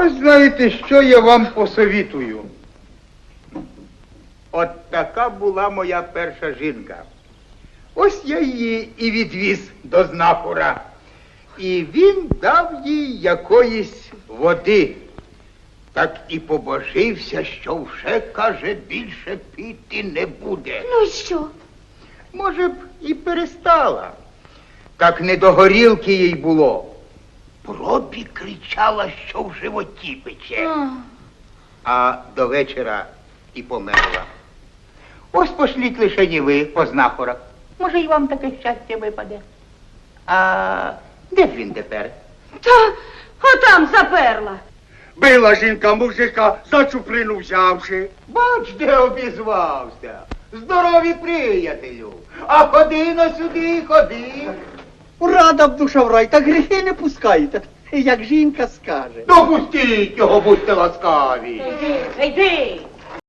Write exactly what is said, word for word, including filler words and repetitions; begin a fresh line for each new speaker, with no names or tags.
Ось знаєте, що я вам посовітую. От така була моя перша жінка. Ось я її і відвіз до знахора. І він дав їй якоїсь води. Так і побожився, що вже, каже, більше піти не буде.
Ну і що?
Може б і перестала. Так не до горілки їй було. Пробі кричала, що в животі пече.
А.
А до вечора і померла. Ось пошліть лише ні ви по знахорах. Може, і вам таке щастя випаде. А де ж він тепер?
Та отам заперла.
Била жінка мужика, за чуприну взявши.
Бач, де обізвався. Здорові приятелю. А ходи на сюди, ходи.
Рада б душа в рай, та гріхи не пускаєте, як жінка скаже.
Допустіть його, будьте ласкаві.
Йди, йди.